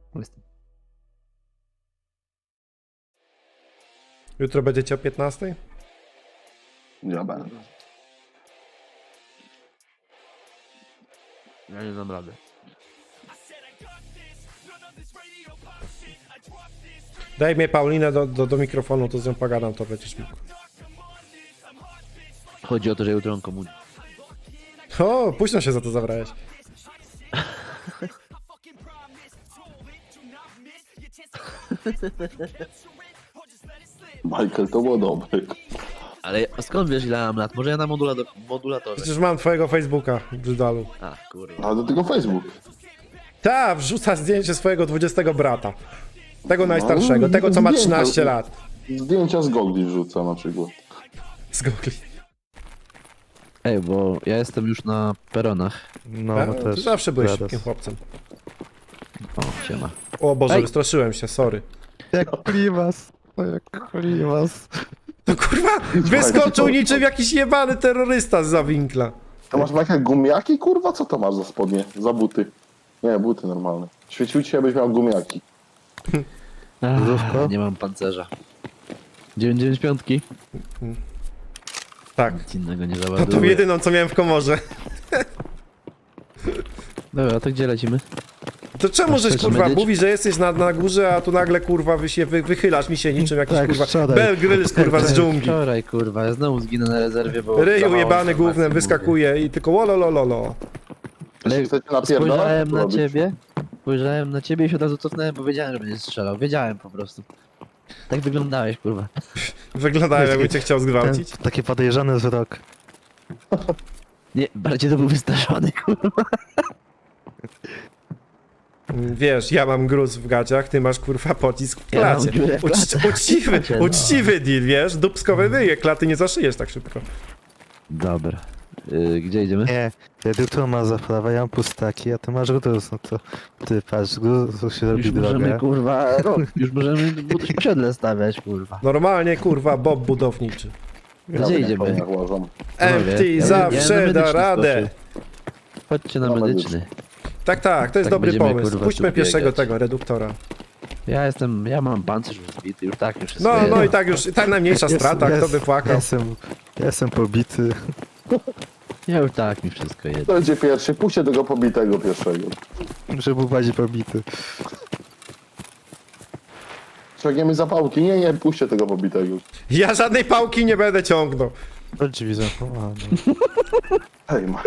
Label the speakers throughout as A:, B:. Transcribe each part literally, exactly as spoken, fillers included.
A: Jutro będziecie o piętnastej?
B: Ja będę.
C: Ja nie dam rady.
A: Daj mnie Paulinę do, do, do mikrofonu, to z nią pogadam, to będziesz mógł.
C: Chodzi o to, że jutro mam komunię.
A: O, późno się za to zabrałeś.
B: Michael, to było dobre.
C: Ale skąd wiesz, ile mam lat? Może ja na modulator modulatorze.
A: Przecież mam twojego Facebooka, brzydalu.
C: A, kurwa.
B: Ale do tego Facebook.
A: Ta, wrzuca zdjęcie swojego dwudziestego brata. Tego najstarszego, tego co ma trzynaście lat.
B: Zdjęcia z gogli wrzuca na przykład.
A: Z Google.
C: Ej, bo ja jestem już na peronach.
D: No,
A: Tak?
D: no
A: Ty
D: też.
A: zawsze byłeś
D: Rados.
A: szybkim chłopcem.
C: O, siema.
A: O Boże,
C: Ej.
A: wystraszyłem się, sorry.
D: Jak klimas. O, jak klimas.
A: To kurwa, wyskoczył niczym jakiś jebany terrorysta z winkla.
B: To masz Michael gumiaki, kurwa? Co to masz za spodnie? Za buty? Nie, buty normalne. Świecił ci, abyś miał gumiaki.
D: Zdrówko?
C: Nie mam pancerza. dziewięćdziesiąt pięć.
A: Tak.
C: Nic innego nie
A: To tą
C: załaduję.
A: jedyną co miałem w komorze.
C: Dobra, to gdzie lecimy?
A: To czemu żeś
C: chcesz
A: kurwa
C: medyć?
A: mówisz, że jesteś na, na górze, a tu nagle kurwa wy się wy, wychylasz mi się niczym jakiś
D: Tak,
A: kurwa
D: wczoraj.
A: Bear Grylls kurwa z dżungli.
C: Wczoraj, kurwa, ja znowu zginę na rezerwie, bo...
A: Ryju
C: za mało
A: jebany
C: informacji
A: głównym
C: mówię.
A: wyskakuje i tylko wololololo.
C: Ale
B: Chcecie napierdalać?
C: spojrzałem
B: Co
C: na
B: robić?
C: ciebie, spojrzałem na ciebie i się od razu cofnąłem, bo wiedziałem, że będziesz strzelał. Wiedziałem po prostu. Tak wyglądałeś, kurwa.
A: Wyglądałem jakby cię chciał
D: Ten,
A: zgwałcić.
D: taki podejrzany wzrok.
C: Nie, bardziej to był wystraszony, kurwa.
A: Wiesz, ja mam gruz w gaciach, ty masz kurwa pocisk w
C: Ja mam
A: klacie.
C: dziurę w
A: Ucz,
C: klacie.
A: uczciwy,
C: Klacie, no.
A: uczciwy deal, wiesz? Dubskowe wyje, klaty nie zaszyjesz tak szybko.
C: Dobra. Yy, gdzie idziemy?
D: Nie, reduktor ma za prawo, ja mam pustaki, a ty masz gruz, no to ty patrz, gruz się robi
C: Już możemy,
D: drogę.
C: kurwa, rok. Już możemy budować osiedle stawiać, kurwa.
A: Normalnie kurwa Bob budowniczy.
C: Gdzie
B: Ja
C: idziemy?
B: na koniach łażą.
A: M T
C: ja- ja
A: zawsze
C: na
A: da
C: medyczny
A: radę.
C: Chodźcie na
B: Na
C: medyczny.
A: Tak, tak, to jest
C: Tak
A: dobry
C: będziemy,
A: pomysł.
C: kurwa,
A: Puśćmy
C: tu
A: pierwszego
C: biegać.
A: tego reduktora.
C: Ja jestem, ja mam pancerz już zbity, już tak, już wszystko
A: No,
C: jest.
A: no i tak już, i tak najmniejsza
D: Jest-
A: strata,
D: jest-
A: kto by płakał.
D: Jestem, jestem pobity.
C: Ja już tak, mi wszystko jest.
B: To będzie pierwszy. Puśćcie tego pobitego pierwszego.
D: Muszę był bardziej pobity.
B: Ciągniemy zapałki. Nie, nie, puśćcie tego pobitego.
A: Ja żadnej pałki nie będę ciągnął.
D: To drzwi zamknął.
B: Hej, ma.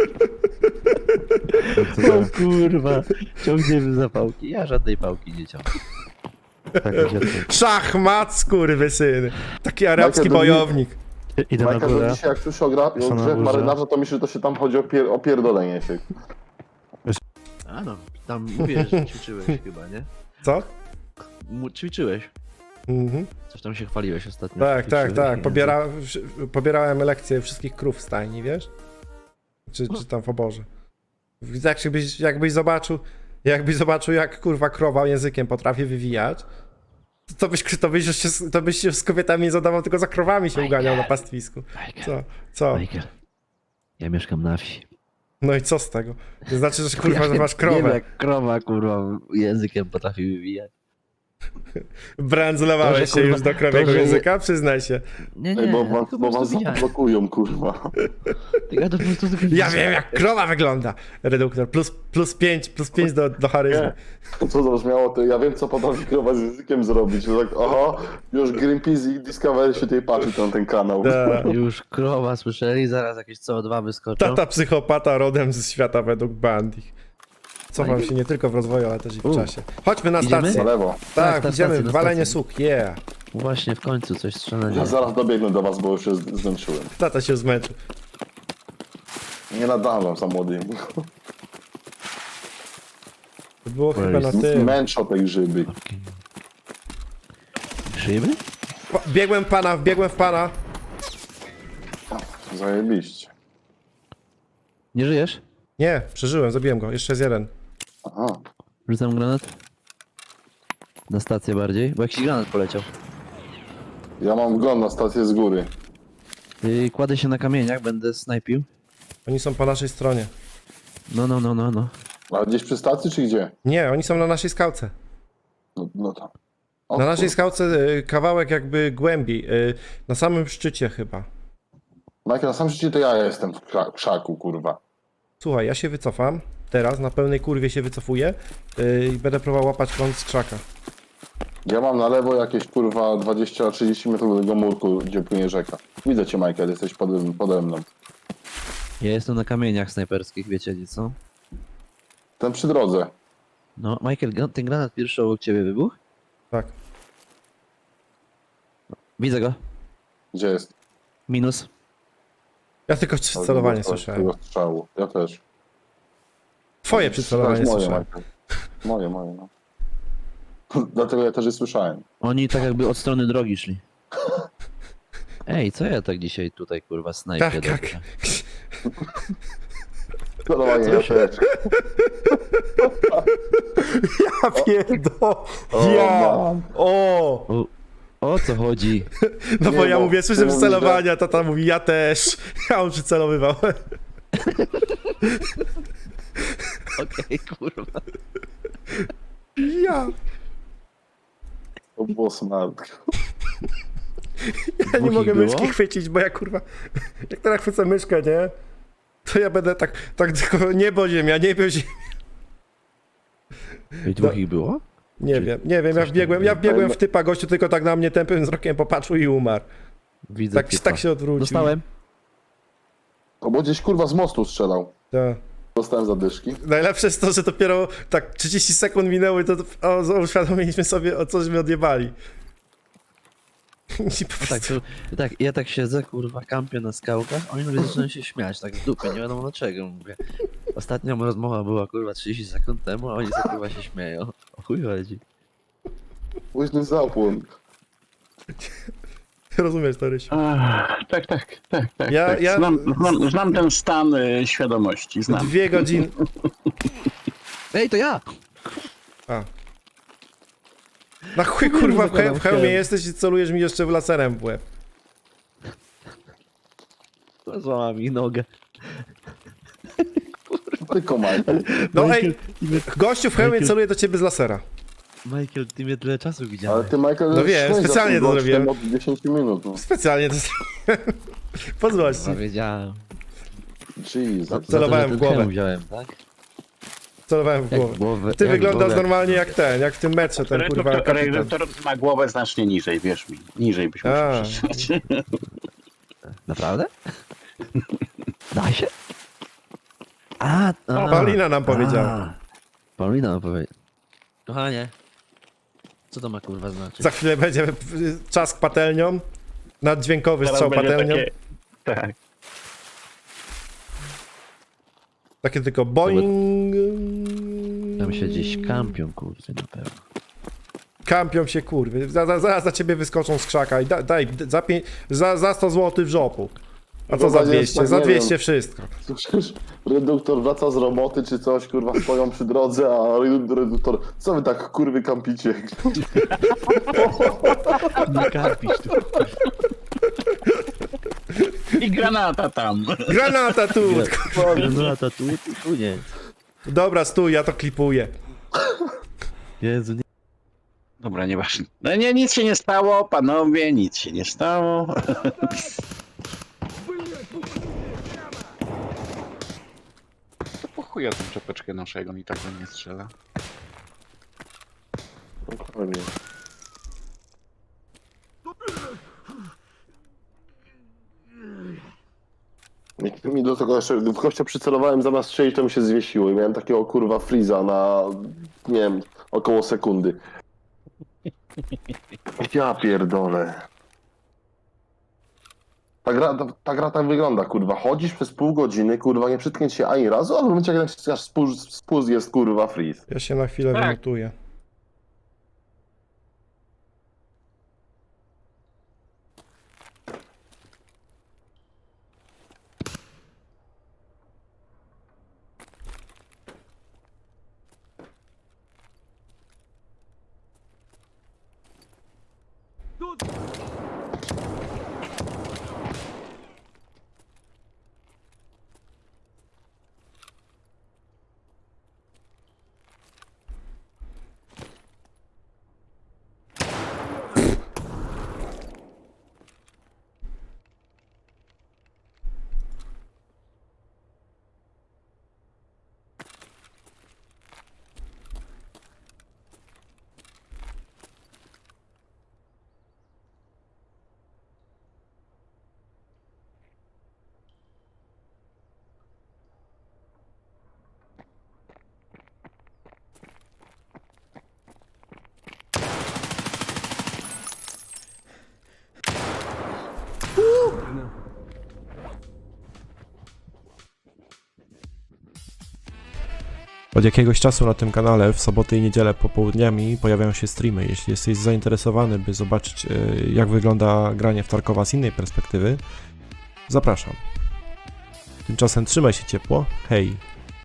C: O kurwa, ciągniemy zapałki. Ja żadnej pałki nie ciągnę.
D: Tak, gdzie to?
A: Szachmat, skurwysyny. Taki arabski
B: Michael,
A: bojownik.
D: Idę na
B: Michael,
D: górę.
B: to dzisiaj jak słyszę o, gra,
D: Są
B: o
D: na
B: grze w
D: górze.
B: marynarza, to myślę, że to się tam chodzi o, pier, o pierdolenie się.
C: A no, tam mówiłeś, że ćwiczyłeś chyba, nie?
A: Co?
C: Mu- Ćwiczyłeś.
A: Mhm.
C: Coś tam się chwaliłeś ostatnio.
A: Tak, tak,
C: Ćwiczyłeś,
A: tak.
C: nie?
A: Pobiera, wszy- pobierałem lekcje wszystkich krów w stajni, wiesz? Czy, czy tam w oborze. Jakbyś, jakbyś zobaczył, jakbyś zobaczył, jak kurwa krowa językiem potrafi wywijać, to byś, to byś, już się, to byś się z kobietami nie zadawał, tylko za krowami się uganiał na pastwisku.
C: Michael,
A: Co? Co?
C: Michael, ja mieszkam na wsi.
A: No i co z tego? To znaczy, że kurwa, że
C: Ja
A: masz
C: Nie wiem,
A: krowę.
C: jak krowa, kurwa, językiem potrafi wywijać.
A: Brandzlowałeś
C: To, że,
A: się
C: kurwa,
A: już do krowiego
C: to, że-
A: języka? Przyznaj się.
C: Nie, nie,
B: Ej, bo,
C: ja
B: was,
C: tylko po
B: bo was
C: prostu widziałem.
B: zablokują, kurwa.
C: Ja to po prostu tylko
A: Ja
C: widziałem.
A: wiem, jak krowa wygląda. Reduktor. Plus, plus pięć, plus pięć do, do charyzmy.
B: Nie. Co to brzmiało, to ja wiem, co potrafi krowa z językiem zrobić. Że tak, aha, już Greenpeace i Discovery się tutaj patrzy na ten kanał.
A: Ta,
C: Już krowa słyszeli, zaraz jakieś C O dwa wyskoczą.
A: tata psychopata rodem z świata według Bandich. Cofam się nie tylko w rozwoju, ale też i w
C: U.
A: czasie. Chodźmy na
C: Idziemy?
A: stację.
B: Na lewo.
A: Tak,
C: Tak, na
A: idziemy.
C: stację, na
A: Walenie
C: stację.
A: suk, yeah.
C: Właśnie w końcu coś strzelania.
B: Ja zaraz dobiegnę do was, bo już się z- zmęczyłem.
A: Tata się zmęczył.
B: Nie nadążam za młodym.
A: To było
C: Where
A: chyba na
C: is-
A: tym.
B: Męczą tej grzyby.
C: Szyby?
A: Po- Biegłem w pana, biegłem w pana.
B: Zajebiście.
C: Nie żyjesz?
A: Nie, przeżyłem, zabiłem go. Jeszcze jest jeden.
B: Aha.
C: Rzucam granat. Na stację bardziej, bo jakiś granat poleciał.
B: Ja mam wgląd na stację z góry.
C: I kładę się na kamieniach, będę snajpił.
A: Oni są po naszej stronie.
C: No, no, no, no, no.
B: A gdzieś przy stacji, czy gdzie?
A: Nie, oni są na naszej skałce.
B: No, no to. O,
A: Na naszej
B: kurwa.
A: skałce y, kawałek jakby głębiej, y, na samym szczycie chyba.
B: Michael, na sam szczycie to ja jestem w kra- krzaku, kurwa.
A: Słuchaj, ja się wycofam. Teraz na pełnej kurwie się wycofuję y, i będę próbował łapać kąt z krzaka.
B: Ja mam na lewo jakieś kurwa dwadzieścia trzydzieści metrów do tego murku, gdzie płynie rzeka. Widzę cię, Michael, jesteś pode, pode mną.
C: Ja jestem na kamieniach snajperskich, wiecie gdzie co?
B: Ten przy drodze.
C: No, Michael, gra- ten granat pierwszy obok ciebie wybuchł?
A: Tak.
C: Widzę go.
B: Gdzie jest?
C: Minus.
A: Ja tylko przycelowanie
B: Tego-
A: słyszałem.
B: tego strzału. Ja też.
A: Twoje przycelowanie
B: moje,
A: słyszałem.
B: Michael. Moje, moje, no. Dlatego ja też je słyszałem.
C: Oni tak jakby od strony drogi szli. Ej, co ja tak dzisiaj tutaj kurwa snajpię
A: Tak, tak.
C: dobrze?
B: Celowanie, ja też.
A: Ja pierdo!
B: O,
A: Ja!
B: mam.
A: O!
C: O, o co chodzi?
A: No bo
B: Nie,
A: ja
B: bo
A: mówię, słyszę
B: ty mówisz,
A: przycelowania, tata mówi, ja też. Ja on przycelowywał.
C: Okej, kurwa.
A: Ja!
B: To było smart.
A: Ja nie
C: Dwóch
A: mogę
C: ich było?
A: myszki chwycić, bo ja kurwa, jak teraz chwycę myszkę, nie? To ja będę tak, tak tylko niebo ziemia, niebo ziemia.
C: I dwóch ich było?
A: Nie
C: Czy
A: wiem, nie wiem, ja
C: coś tam
A: wbiegłem, ja
C: było?
A: wbiegłem w typa, gościu tylko tak na mnie tępym wzrokiem popatrzył i umarł.
C: Widzę
A: Tak,
C: typa.
A: tak się odwrócił.
C: Dostałem.
B: To bo gdzieś kurwa z mostu strzelał.
A: Tak.
B: Dostałem zadyszki.
A: Najlepsze jest to, że dopiero tak trzydzieści sekund minęło i to o, uświadomiliśmy sobie, o cośmy odjebali. I po
C: No tak,
A: prostu,
C: to, tak, ja tak siedzę, kurwa, kampię na skałkach, oni nagle zaczynają się śmiać, tak w dupie, nie wiadomo dlaczego, mówię. Ostatnia moja rozmowa była, kurwa, trzydzieści sekund temu, a oni sobie, kurwa, się śmieją. O chuj chodzi.
B: Późny zapłon.
A: rozumiesz to, Rysiu?
E: Ach, tak, tak, tak, tak.
A: Ja-
E: tak.
A: ja-
E: Znam, znam, znam ten stan y, świadomości, znam.
A: Dwie godziny...
C: Ej, to ja!
A: A. Na chuj kurwa w, he- w hełmie
C: Chciałem.
A: jesteś i celujesz mi jeszcze w laserem w łeb.
C: Złamała mi nogę.
B: Tylko Michael.
A: No ej, gościu w hełmie
C: Michael-
A: celuje do ciebie z lasera.
C: Michael, ty mnie tyle czasu
B: Ale
C: widziałeś.
B: ty, Michael,
A: No wiem,
B: szłeś za
A: specjalnie
B: tym
A: to
B: gościem
A: zrobiłem.
B: Od dziesięć minut. No.
A: Specjalnie to zrobiłem. Po złości.
C: No, wiedziałem.
B: Jesus.
A: Celowałem
C: Za to, że
A: w
C: ten
A: głowę.
C: hełm wziąłem, tak?
A: Celowałem w
C: Jak
A: głowę.
C: głowę,
A: Ty
C: jak
A: wyglądasz
C: głowę-
A: normalnie jak ten, jak w tym meczu, ten kurwa
E: Reduktor,
A: kapitan.
E: reduktor ma głowę znacznie niżej, wierz mi. Niżej byś musiał
A: A.
E: przetrzymać.
C: Naprawdę? Daj się? A, a
A: Paulina nam powiedziała.
C: a. Paulina nam powiedziała. Kochanie, co to ma kurwa znaczyć?
A: Za chwilę będzie czask patelnią. Naddźwiękowy
E: Teraz
A: strzał
E: będzie
A: patelnią.
E: takie... Tak.
A: Takie tylko boing.
C: Tam się gdzieś kampią, kurwy, na pewno.
A: Kampią się kurwy. Za- za- Zaraz za ciebie wyskoczą z krzaka i da, daj za, pię- za, za sto złotych w żopu. A co za
B: Chyba nie jest
A: dwieście?
B: tak,
A: Za
B: nie
A: dwieście
B: wiem.
A: wszystko.
B: Słyszysz, reduktor wraca z roboty czy coś, kurwa, stoją przy drodze, a reduktor, co wy tak kurwy kampicie?
C: Nie kampisz tu.
E: I granata tam.
A: Granata tu!
C: No to tu, tu, tu nie.
A: Dobra, stój, ja to klipuję.
C: Jezu, nie.
E: Dobra, nieważne. No nie, nic się nie stało, panowie, nic się nie stało. To po chuja tą czapeczkę naszego mi tak do mnie strzela.
B: Dokładnie. Jak mi do tego jeszcze w gościa przycelowałem zamiast strzelić, to mi się zwiesiło i miałem takiego kurwa freeza na, nie wiem, około sekundy. Ja pierdolę. Ta gra, ta, ta gra tak wygląda, kurwa. Chodzisz przez pół godziny, kurwa, nie przytkniesz się ani razu, ale w momencie, jak naciskasz spust, spust jest, kurwa, freeze.
A: Ja się na chwilę
E: Tak.
A: wymutuję. Od jakiegoś czasu na tym kanale w soboty i niedzielę popołudniami pojawiają się streamy. Jeśli jesteś zainteresowany, by zobaczyć y, jak wygląda granie w Tarkowa z innej perspektywy, zapraszam. Tymczasem trzymaj się ciepło, hej!